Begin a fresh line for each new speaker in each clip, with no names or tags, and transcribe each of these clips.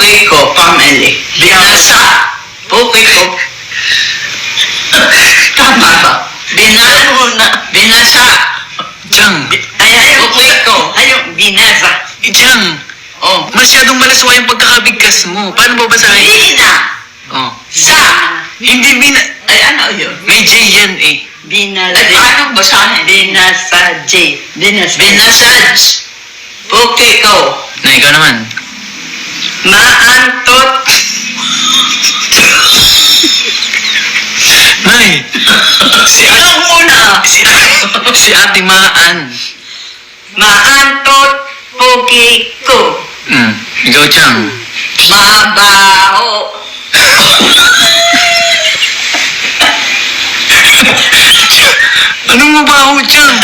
Puki ko, family. Binasa. Puki ko. Tama ba? Binasa.
Chang,
Puki ko. Ayun, binasa.
Chang,
Oh.
masyadong malaswa yung pagkakabigkas mo. Paano mo basahin?
Bina.
Oh.
Sa.
Hindi
Ay, ano yun?
may J yan eh.
Ay, paano basahin?
Binasa J.
Binasaj. Puki ko.
Na ikaw naman.
Maantot.
Nay, si Ate,
Ikaw muna.
si Ate Maan.
Maantot. Pugi ko.
Ikaw, Chang.
Mabaho.
Anong mabaho, Chang?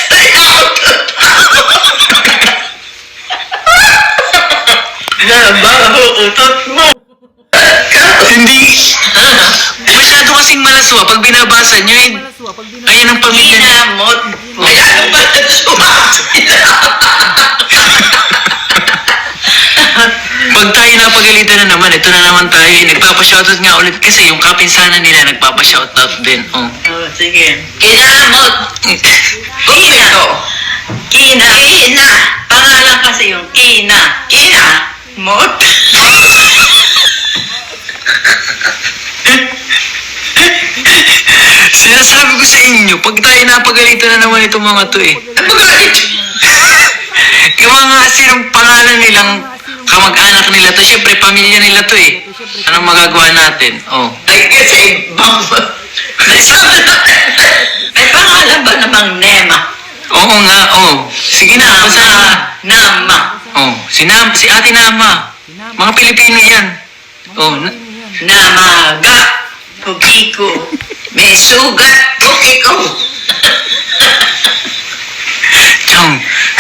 Nabaho utot mo.
Hindi. Masyado kasing malaswa. Pag binabasa nyo, ayan ang pamilya niya.
Kinamot. Ay, ano ba?
Pag tayo napagalitan na naman, ito na naman tayo. Nagpapashoutout nga ulit kasi yung kapinsanan nila nagpapashoutout din. Oh.
Oh, sige.
Kinamot. Puki ko.
Kina.
Kina.
Pangalan kasi yung Kina.
Kina.
Mot.
Sinasabi ko sa inyo, pag tayo napagalitan na naman itong mga to eh.
Napagalit.
Yung mga sinong pangalan nilang kamag-anak nila to, syempre pamilya nila to eh. Anong magagawa natin? Oh.
Ay, kasi ibang... Nasabi na.
May pangalan ba namang Nema?
Oo nga, oh. Sige na, basta.
Nama.
Oh, si Ate Nama. Mga Pilipino yan. Oh,
Namaga. Pugi ko.
May sugat. Puki ko.
Chong.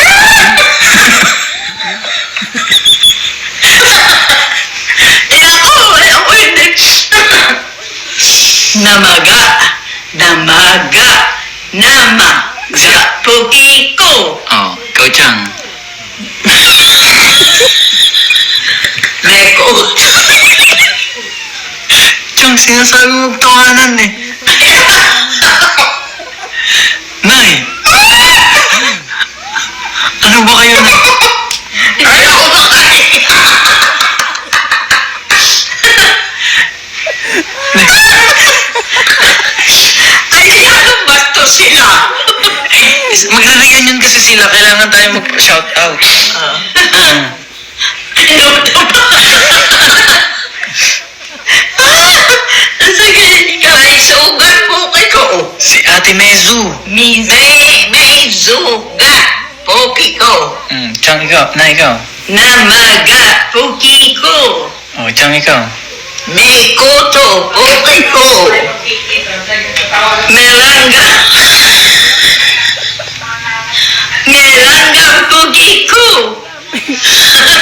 Namaga. Namaga. Nama. Sa pugi ko.
Oh, ikaw, Chang.
Meko.
Chang, sinasabi mong tawanan eh. Nay! Ano ba kayo na?
Ayaw ko makain. Ay, ano ba to sila?
Magre-reunion kasi sila. Kailangan tayo mag-shoutout.
Sige, may sugat puki ko.
Si Ate Mezu.
May sugat puki ko.
Chang, ikaw. Na, ikaw.
Namaga. Pugi ko.
Oh, Chang, ikaw.
May kuto puki ko.
Meranga. Meranga pugi ko.